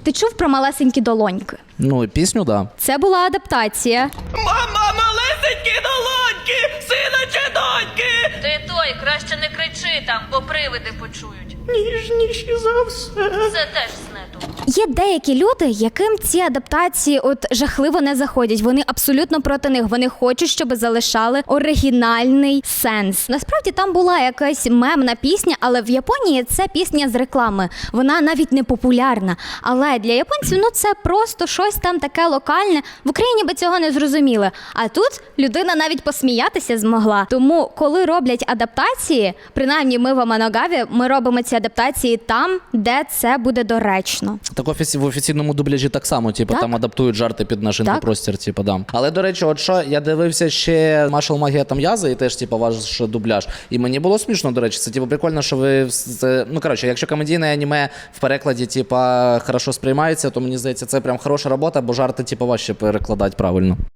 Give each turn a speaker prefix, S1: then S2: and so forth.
S1: Ти чув про малесенькі долоньки?
S2: Ну, пісню, да.
S1: Це була адаптація.
S3: Мама, малесенькі долоньки, сина чи доньки.
S4: Ти той, краще не кричи там, бо привиди почують.
S3: Ніжніші за все.
S4: Це теж з нету.
S1: Є деякі люди, яким ці адаптації от жахливо не заходять. Вони абсолютно проти них. Вони хочуть, щоб залишали оригінальний сенс. Насправді там була якась мемна пісня, але в Японії це пісня з реклами. Вона навіть не популярна. Але для японців це просто щось там таке локальне. В Україні би цього не зрозуміли. А тут людина навіть посміятися змогла. Тому, коли роблять адаптації, принаймні ми в Аманогаві, ми робимо ці адаптації там, де це буде доречно.
S2: Так в офіційному дубляжі так само,
S1: Так.
S2: там адаптують жарти під наш
S1: Так.
S2: інфопростір, да. Але, до речі, от що, я дивився ще Маршал Магія Там'яза, і теж, ваш дубляж. І мені було смішно, до речі, це, прикольно, що ви, якщо комедійне аніме в перекладі, хорошо сприймається, то, мені здається, це прям хороша робота, бо жарти, важче перекладати правильно.